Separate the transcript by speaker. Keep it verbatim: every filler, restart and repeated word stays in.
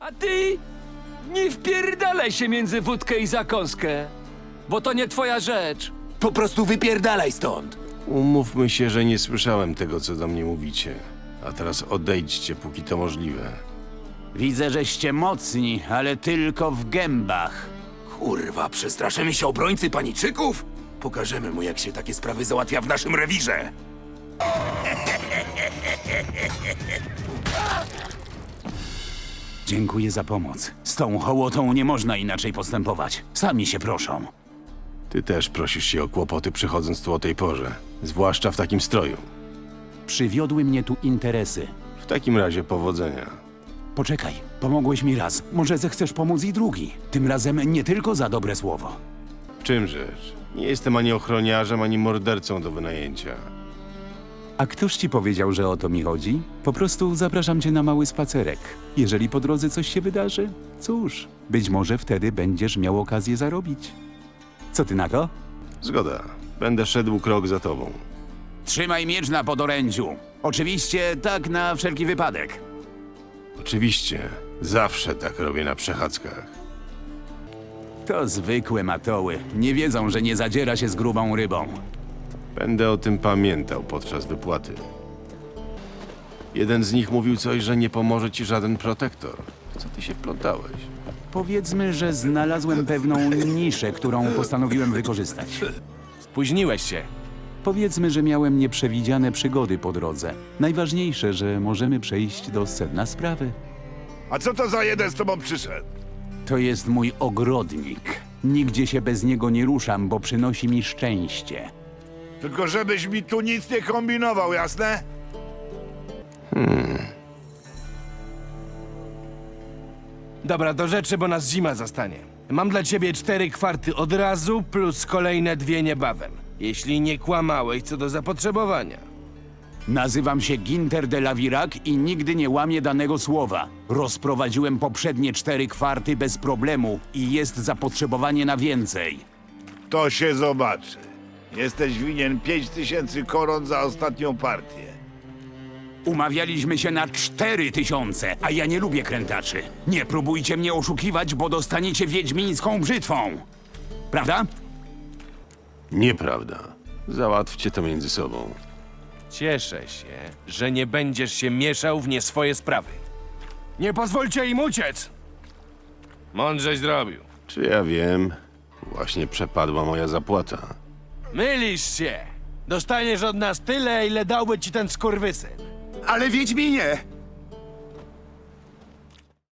Speaker 1: A ty nie wpierdalaj się między wódkę i zakąskę, bo to nie twoja rzecz.
Speaker 2: Po prostu wypierdalaj stąd.
Speaker 3: Umówmy się, że nie słyszałem tego, co do mnie mówicie. A teraz odejdźcie, póki to możliwe.
Speaker 4: Widzę, żeście mocni, ale tylko w gębach.
Speaker 2: Kurwa, przestraszymy się obrońcy paniczyków? Pokażemy mu, jak się takie sprawy załatwia w naszym rewirze.
Speaker 4: Dziękuję za pomoc. Z tą hołotą nie można inaczej postępować. Sami się proszą.
Speaker 3: Ty też prosisz się o kłopoty, przychodząc tu o tej porze. Zwłaszcza w takim stroju.
Speaker 4: Przywiodły mnie tu interesy.
Speaker 3: W takim razie powodzenia.
Speaker 4: Poczekaj, pomogłeś mi raz. Może zechcesz pomóc i drugi. Tym razem nie tylko za dobre słowo.
Speaker 3: Czym rzecz? Nie jestem ani ochroniarzem, ani mordercą do wynajęcia.
Speaker 4: A któż ci powiedział, że o to mi chodzi? Po prostu zapraszam cię na mały spacerek. Jeżeli po drodze coś się wydarzy, cóż, być może wtedy będziesz miał okazję zarobić. Co ty na to?
Speaker 3: Zgoda. Będę szedł krok za tobą.
Speaker 4: Trzymaj miecz na podorędziu. Oczywiście tak na wszelki wypadek.
Speaker 3: Oczywiście. Zawsze tak robię na przechadzkach.
Speaker 4: To zwykłe matoły. Nie wiedzą, że nie zadziera się z grubą rybą.
Speaker 3: Będę o tym pamiętał podczas wypłaty. Jeden z nich mówił coś, że nie pomoże ci żaden protektor. W co ty się wplątałeś?
Speaker 4: Powiedzmy, że znalazłem pewną niszę, którą postanowiłem wykorzystać.
Speaker 5: Spóźniłeś się.
Speaker 4: Powiedzmy, że miałem nieprzewidziane przygody po drodze. Najważniejsze, że możemy przejść do sedna sprawy.
Speaker 6: A co to za jeden z tobą przyszedł?
Speaker 4: To jest mój ogrodnik. Nigdzie się bez niego nie ruszam, bo przynosi mi szczęście.
Speaker 6: Tylko żebyś mi tu nic nie kombinował, jasne?
Speaker 5: Dobra, do rzeczy, bo nas zima zastanie. Mam dla ciebie cztery kwarty od razu, plus kolejne dwie niebawem. Jeśli nie kłamałeś co do zapotrzebowania.
Speaker 4: Nazywam się Ginter de la Virac i nigdy nie łamię danego słowa. Rozprowadziłem poprzednie cztery kwarty bez problemu i jest zapotrzebowanie na więcej.
Speaker 6: To się zobaczy. Jesteś winien pięć tysięcy koron za ostatnią partię.
Speaker 4: Umawialiśmy się na cztery tysiące, a ja nie lubię krętaczy. Nie próbujcie mnie oszukiwać, bo dostaniecie wiedźmińską brzytwą. Prawda?
Speaker 3: Nieprawda. Załatwcie to między sobą.
Speaker 5: Cieszę się, że nie będziesz się mieszał w nie swoje sprawy. Nie pozwólcie im uciec! Mądrześ zrobił.
Speaker 3: Czy ja wiem? Właśnie przepadła moja zapłata.
Speaker 5: Mylisz się! Dostaniesz od nas tyle, ile dałby ci ten skurwysyn.
Speaker 2: Ale Wiedźminie!